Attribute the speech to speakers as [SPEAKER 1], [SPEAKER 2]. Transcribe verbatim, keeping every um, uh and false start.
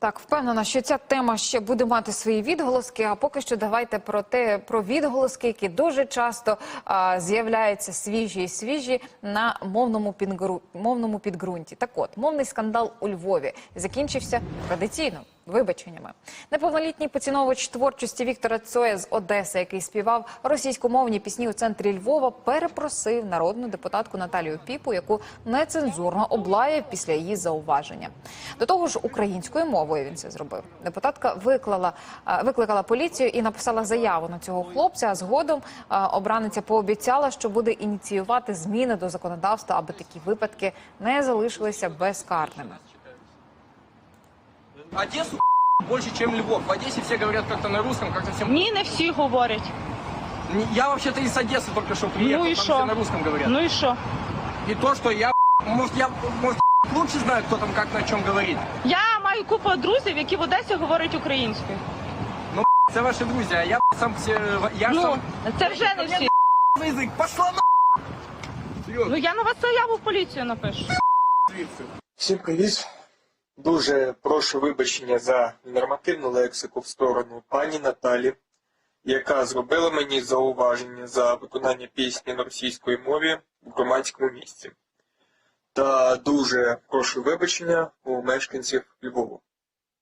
[SPEAKER 1] Так, впевнена, що ця тема ще буде мати свої відголоски, а поки що давайте про те, про відголоски, які дуже часто а, з'являються свіжі і свіжі на мовному, підґру... мовному підґрунті. Так от, мовний скандал у Львові закінчився традиційно вибаченнями. Неповнолітній поціновувач творчості Віктора Цоя з Одеси, який співав російськомовні пісні у центрі Львова, перепросив народну депутатку Наталію Піпу, яку нецензурно облаяв після її зауваження. До того ж, українською мовою він це зробив. Депутатка виклала, викликала поліцію і написала заяву на цього хлопця, а згодом обраниця пообіцяла, що буде ініціювати зміни до законодавства, аби такі випадки не залишилися безкарними.
[SPEAKER 2] Одессу больше, чем Львов. В Одессе все говорят как-то на русском, как-то всем...
[SPEAKER 3] Ні, не всі говорять.
[SPEAKER 2] Я вообще-то из Одессы только что приехал,
[SPEAKER 3] Ну и
[SPEAKER 2] там
[SPEAKER 3] шо?
[SPEAKER 2] все на русском говорят.
[SPEAKER 3] Ну і що?
[SPEAKER 2] И то, что я, может, я, может, лучше знаю, кто там как на чем говорит.
[SPEAKER 3] Я маю купу друзів, які в Одесі говорять українською.
[SPEAKER 2] Ну, це ваши друзья, а я сам все... Я
[SPEAKER 3] Ну,
[SPEAKER 2] сам...
[SPEAKER 3] це вже не всі.
[SPEAKER 2] Язык, пошла на...
[SPEAKER 3] Ну я на вас заяву в поліцію напишу.
[SPEAKER 4] Всім привіт. Дуже прошу вибачення за нормативну лексику в сторону пані Наталі, яка зробила мені зауваження за виконання пісні на російській мові в громадському місці. Та дуже прошу вибачення у мешканців Львова.